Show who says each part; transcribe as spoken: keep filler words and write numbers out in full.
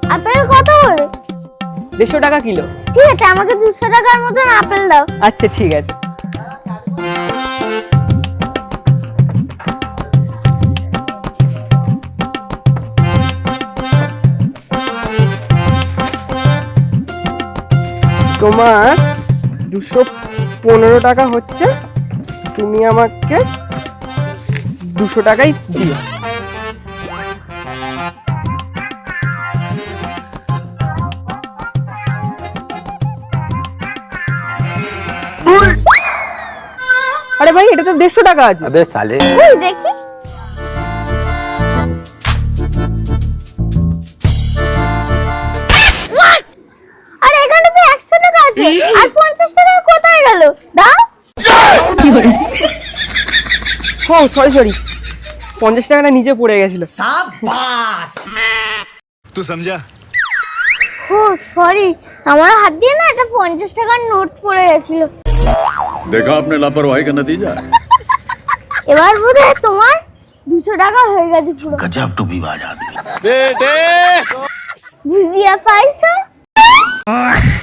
Speaker 1: Apple কত করে?
Speaker 2: দেড়শো টাকা কিলো।
Speaker 1: ঠিক আছে, আমাকে দুশো টাকার মতন আপেল দাও।
Speaker 2: আচ্ছা ঠিক আছে। তোমার দুশো পনেরো টাকা হচ্ছে, তুমি আমাকে দুশো টাকাই দিও। আরে ভাই, এটা তো দেড়শো টাকা আছে।
Speaker 3: अबे साले
Speaker 1: ওই দেখি। আরে এখানে তো একশো টাকা আছে, আর পঞ্চাশ টাকা কোথায় গেল? দাও।
Speaker 2: ও সরি সরি, পঞ্চাশ টাকাটা নিচে পড়ে গেছিল।
Speaker 3: तू समझा?
Speaker 1: ও সরি, আমার হাত দিয়ে না একটা পঞ্চাশ টাকার নোট পড়ে গেছিল।
Speaker 3: देखा आपने लापरवाही का नतीजा।
Speaker 1: এবার বোধহয় তোমার দুশো টাকা হয়ে গেছে পুরো।
Speaker 3: गजब टू भी बाज आदमी।
Speaker 1: বুঝিয়া পাইছো?